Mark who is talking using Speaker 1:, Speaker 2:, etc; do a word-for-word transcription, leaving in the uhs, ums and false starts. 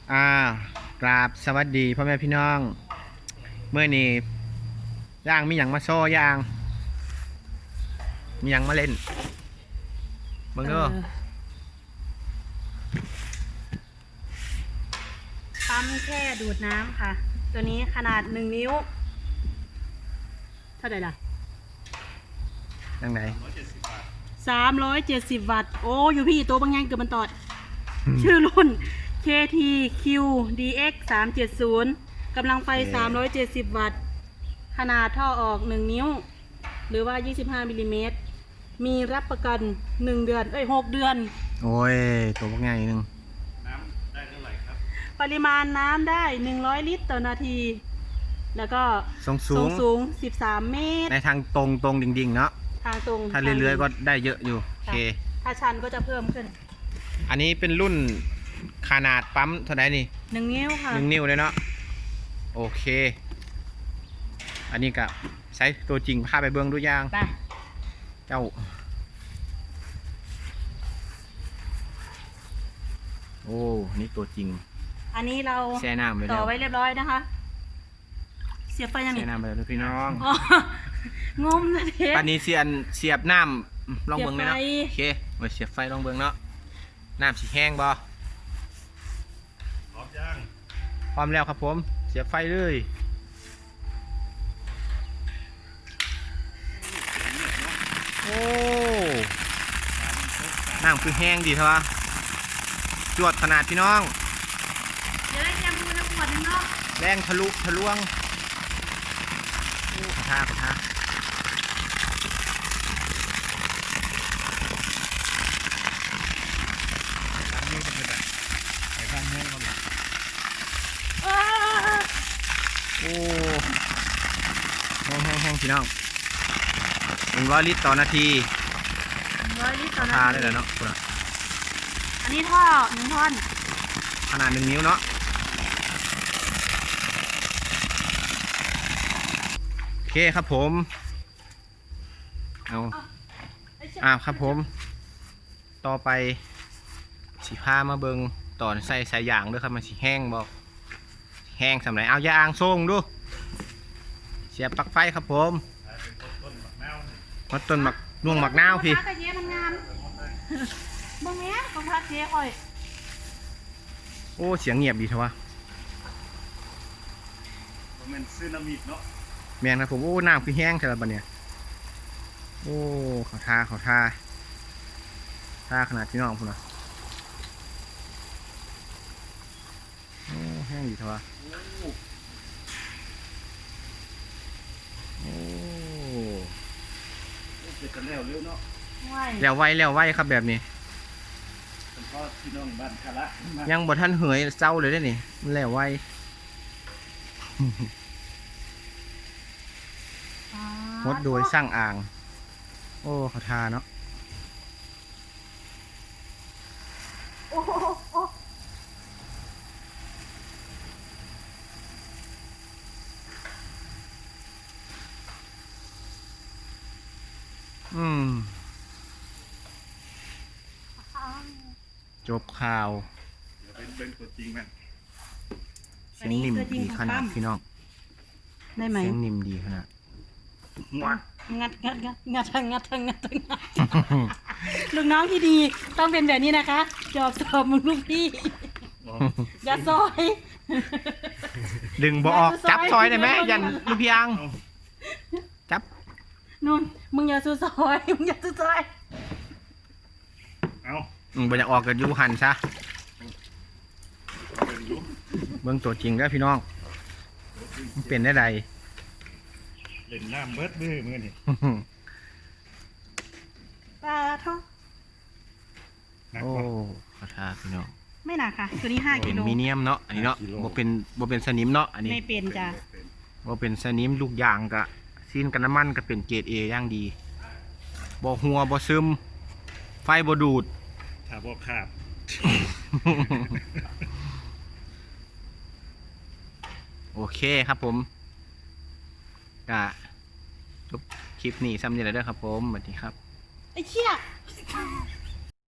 Speaker 1: อ่ากราบสวัสดีพ่อแม่พี่น้องเมื่อนี้ย่างมีอย่างมาโซ่ย่างมีอย่างมาเล่นเบิ่งเด้อ
Speaker 2: ปั๊มแค่ดูดน้ำค่ะ ตัวนี้ขนาดหนึ่งนิ้ว เท่าไหร่ล่ะ
Speaker 1: จังไหน
Speaker 2: สามร้อยเจ็ดสิบวัตต์ โอ้อยู่พี่ตัวบางอย่างเกือบมันตอด ชื่อรุ่น เค ที คิว ดี เอ็กซ์ สามเจ็ดศูนย์ กำลังไฟ สามร้อยเจ็ดสิบ วัตต์ ขนาดท่อออก หนึ่ง นิ้ว หรือว่า ยี่สิบห้า มิลลิเมตร มีรับประกัน หนึ่ง เดือน เอ้ย หก เดือน
Speaker 1: โอ้ยตัวพวกง่ายนึง
Speaker 2: ปริมาณน้ำได้ หนึ่งร้อย ลิตรต่อนาที แล้วก็
Speaker 1: ทรงสู
Speaker 2: ทรง
Speaker 1: ง
Speaker 2: สูง สิบสาม เมตร
Speaker 1: ในทางตรงตรงดิ่งๆเนาะ
Speaker 2: ทางตรง
Speaker 1: ถ้าเรื่อยๆก็ได้เยอะอยู่โอเค
Speaker 2: ถ้าชันก็จะเพิ่มขึ้น
Speaker 1: อันนี้เป็นรุ่นขนาดปั๊มเท่าไหร่นี่
Speaker 2: หนึ่งนิ้วค่ะ
Speaker 1: หนึ่งนิ้วเลยเนาะโอเค อันนี้กับใช้ตัวจริงพาไปเบื้องดูย่าง
Speaker 2: ไป
Speaker 1: เจ้าโอ้นี่ตัวจริง
Speaker 2: อันนี้เรา
Speaker 1: แช่น้ำไว้
Speaker 2: ต่
Speaker 1: แล้
Speaker 2: อ
Speaker 1: ว
Speaker 2: ไว้เรียบร้อยนะคะ เสียบไฟยัง
Speaker 1: แช่
Speaker 2: นี่
Speaker 1: น้ำไปแล้วด้วยพี่น้อง
Speaker 2: อ๋องมนะเทป
Speaker 1: ปานนี้เสียนเสียบน้ำลองเบิ้งเลยเนาะ
Speaker 2: เสียบไฟ
Speaker 1: โอเคมาเสียบไฟลองเบิ้งเนาะน้ำสีแห้งบ่
Speaker 3: พร้อมย่าง
Speaker 1: พร้อมแล้วครับผมเสียบไฟเลยโอ้น้ำคือแห้งดีเถอะวะจวดขนาดพี่น้อง
Speaker 2: เดี๋ยวได้เตรียมดูนะขวดนึงเนาะ
Speaker 1: แรงทะลุทะลวงโอ้ขอทาขอทาล้างมือกันเลยไปข้างแห้งก่อน
Speaker 2: อ้า
Speaker 1: โอ้แห้งแห้งแห้งพี่น้องหนึ่งร้อยลิตรต่อนาที
Speaker 2: ร้อยลิตรต่อ
Speaker 1: ทา
Speaker 2: นา
Speaker 1: ได้
Speaker 2: ที
Speaker 1: เลยเนาะคุณอะ
Speaker 2: อันนี้ท่อหนึ่งท่อน
Speaker 1: ขนาดหนึ่งนิ้วเนาะโอเคครับผมเอาอ่าครับผม ต่อไปสีผ้ามาเบิงตอนใส่สายยางด้วยครับมันสีแห้งบอกแห้งสำหรับเอายางส่งดูเสียบปลั๊กไฟครับผม
Speaker 3: ต้นมะนาว
Speaker 1: มัดต้นหมักน่วงหมักนาวพี่
Speaker 2: ของพระกระเจี๊ยบมันงามบ่แม่นของพระเจี๊ยบอ่อย
Speaker 1: โอ้เสียงเงียบดีเถอะวะ
Speaker 3: มันเป็นซึนามิเนาะ
Speaker 1: แมนครับผมโอ้น้ำคือแห้งแต่ละบัดเนี่ยโอ้เขาทาเขาทาทาขนาดพี่น้องพุ่นนะโอ้แห้งดีเถอะวะโอ้
Speaker 3: เสร็จกันแล้วเร็วเนาะ
Speaker 2: ไหว
Speaker 1: แล้วไวแล้วไวครับแบบนี้
Speaker 3: เป็นพ่อพี่น้องบ้านคาระมา
Speaker 1: ยังบ่ทันเหยเศร้าเลยได้อนี่มันแล้วไว งดโดยสร้างอ่าง โอ้เขาทาเนาะ
Speaker 2: โอ้โหโอ้
Speaker 1: อืมจบข่าว
Speaker 3: เดี๋ยวเป็นเป็นตัวจริงแม่น
Speaker 1: เสียงนิ่มดีขนาดพี่น้อง
Speaker 2: ได้ไหม
Speaker 1: เสียงนิ่มดีขนาด
Speaker 2: งัดงัดงัดงัดงัดงัดงัดงัดลูกน้องที่ดีต้องเป็นแบบนี้นะคะจอบสอบมึงลูกพี่อย่าซอย
Speaker 1: ดึงบ่ออกจับซอยได้ไหมยันลูกพี่อังจับ
Speaker 2: นุ่นมึงอย่าสู้ซอยมึงอย่าสู้ซอย
Speaker 3: เอา
Speaker 1: อืมบ่อยากออกกับยูหันซะ
Speaker 3: เอาเป็นอยุ
Speaker 1: เบิ่งตัวจริงแล้วพี่น้องมันเป็นได้ใด
Speaker 3: เล่นน้ำเบิดมือมือนี่
Speaker 2: ปลาท่อ
Speaker 3: หนัก
Speaker 1: โอ้
Speaker 3: กว่า
Speaker 1: เขาทาพี่น้อง
Speaker 2: ไม่หนักค่ะ ตัวนี้ห้า
Speaker 1: เป็
Speaker 2: กิ
Speaker 1: น
Speaker 2: โล
Speaker 1: มีเนียมเนาะอันนี้เนาะ
Speaker 3: ห้ากิโล
Speaker 1: บ่เป็นบ่เป็นสนิมเนาะอันนี้
Speaker 2: ไม่เป็นจ้ะ
Speaker 3: เป็น
Speaker 1: บ่เป็นสนิมลูกยางกะซีนกันน้ำมันก็เป็นเกรด A อย่างดีบ่หัวบ่ซึมไฟบ่ดูด
Speaker 3: ถ้าบอกขาด
Speaker 1: โอเคครับผมก็จบคลิปนี้ซ้ำนี่แหละเด้อครับผมสวัสดีครับ
Speaker 2: ไอ้เชี่ย